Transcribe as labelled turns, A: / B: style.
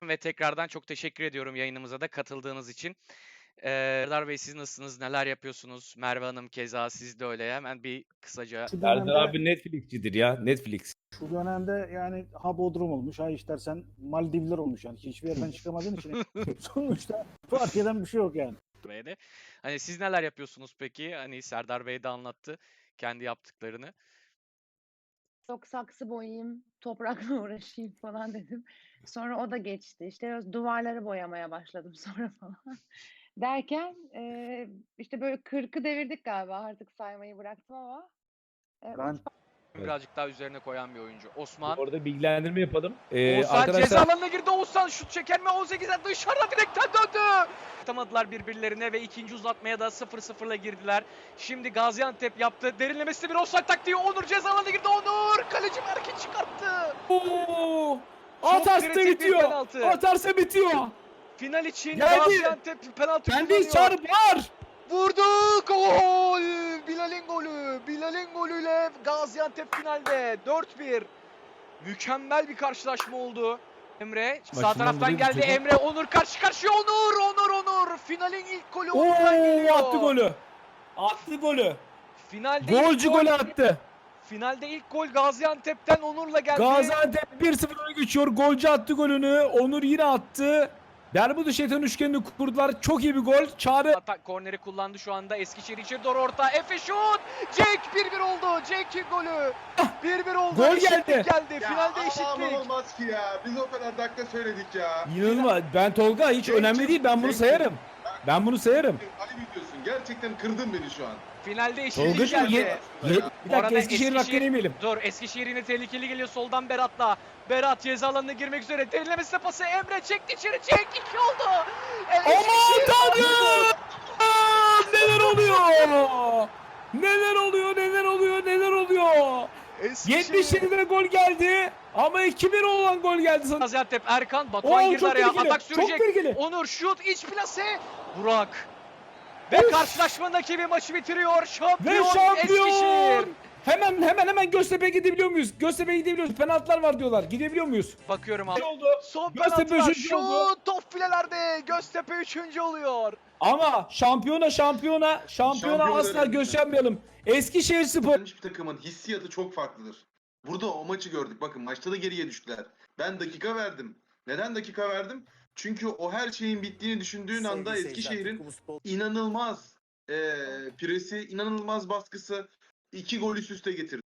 A: ve tekrardan çok teşekkür ediyorum yayınımıza da katıldığınız için. Serdar Bey siz nasılsınız? Neler yapıyorsunuz? Merve Hanım keza siz de öyle. Hemen bir kısaca
B: Şu
C: Serdar
B: dönemde
C: abi Netflix'cidir ya. Netflix.
B: şu dönemde yani ha Bodrum olmuş, ha istersen Maldivler olmuş yani. Hiçbir yerden çıkamadığın için sonuçta fark eden bir şey yok yani.
A: Bey'de. Hani siz neler yapıyorsunuz peki? Hani Serdar Bey de anlattı kendi yaptıklarını.
D: Yok saksı boyayayım, toprakla uğraşayım falan dedim. Sonra o da geçti. İşte duvarları boyamaya başladım sonra falan. Derken işte böyle 40'ı devirdik galiba. Artık saymayı bıraktım ama.
B: Ben
C: Evet.
A: Birazcık daha üzerine koyan bir oyuncu. Osman.
C: Orada bilgilendirme yapalım.
A: Oğuzhan ceza
C: Arkadaşlar
A: alanına girdi. Oğuzhan şut çeker mi? 18'den dışarıda direkten döndü. Atamadılar birbirlerine ve ikinci uzatmaya da 0-0'la girdiler. Şimdi Gaziantep yaptı. Derinlemesine bir offside taktiği. Onur ceza alanına girdi. Onur kaleci Berk'i çıkarttı.
C: Oo!
A: Çok
C: Atarsa
A: kritik bir
C: bitiyor.
A: penaltı.
C: Atarsa bitiyor.
A: Final için
C: Geldi.
A: Gaziantep penaltı
C: Kendi
A: kullanıyor.
C: çağrı var.
A: Vurdu. Gol. Bilal'in golü. Bilal'in golüyle Gaziantep finalde 4-1. Mükemmel bir karşılaşma oldu. Emre sağ
C: Başından
A: taraftan
C: buraya
A: geldi.
C: düşecek.
A: Emre Onur karşı karşıya. Onur. Finalin ilk golü Onur'dan geliyor.
C: Oo! Attı golü. Attı golü.
A: Finalde
C: Golcü
A: ilk gol,
C: golü attı.
A: finalde ilk gol Gaziantep'ten Onur'la geldi.
C: Gaziantep 1-0 öne geçiyor. Golcü attı golünü. Onur yine attı. Bermuda şeytan üçgenini kurdular. Çok iyi bir gol. Çağrı
A: Atak korneri kullandı şu anda. Eskişehir içeri doğru orta. Efe şut. Cenk 1-1 oldu. Cenk'in golü. 1-1 oldu.
C: Gol
A: Eşitlik
C: geldi.
A: geldi.
E: Ya
A: Finalde
E: ama
A: eşitlik.
E: olmaz ki ya. Biz o kadar dakika söyledik ya.
C: inanılmaz. Ben Tolga hiç
E: Cenk
C: önemli değil. Ben bunu
E: Cenk
C: sayarım. Ben bunu sayarım.
E: Ali biliyorsun. Gerçekten kırdın beni şu an.
A: Finalde eşitlik
C: Tolga'cığım
A: geldi.
C: bir
A: Bu
C: dakika
A: arada
C: Eskişehir'in hakkını yemeyelim.
A: Dur Eskişehir yine tehlikeli geliyor soldan Berat'la. Berat ceza alanına girmek üzere. Derinlemesine pası Emre çekti içeri. Cenk 2 oldu.
C: Aman tanrım! Neler oluyor? Neler oluyor?
A: Eskişehir.
C: 77'de gol geldi ama 2-1 olan gol geldi sana.
A: Gaziantep Erkan Batuhan girdi
C: çok
A: araya.
C: tehlikeli,
A: Atak
C: çok
A: sürecek.
C: tehlikeli.
A: Onur şut iç plase. Burak. Ve karşılaşmanın rakibi maçı bitiriyor.
C: Ve
A: Şampiyon
C: şampiyon!
A: Eskişehir.
C: Hemen Göztepe'ye gidebiliyor muyuz? Göztepe'ye gidebiliyoruz. Penaltılar var diyorlar. Gidebiliyor muyuz?
A: Bakıyorum abi.
C: Ne oldu?
A: Son
C: Göztepe
A: penaltılar.
C: üçüncü oldu.
A: Şut top filelerde. Göztepe 3. oluyor.
C: Ama şampiyona
E: Şampiyon
C: asla
E: önemli.
C: göstermeyelim. Eskişehirspor
E: Hiçbir takımın hissiyatı çok farklıdır. Burada o maçı gördük. Bakın maçta da geriye düştüler. Ben dakika verdim. Neden dakika verdim? Çünkü o her şeyin bittiğini düşündüğün anda Eskişehir'in inanılmaz presi, inanılmaz baskısı 2 gol üst üste getirdi.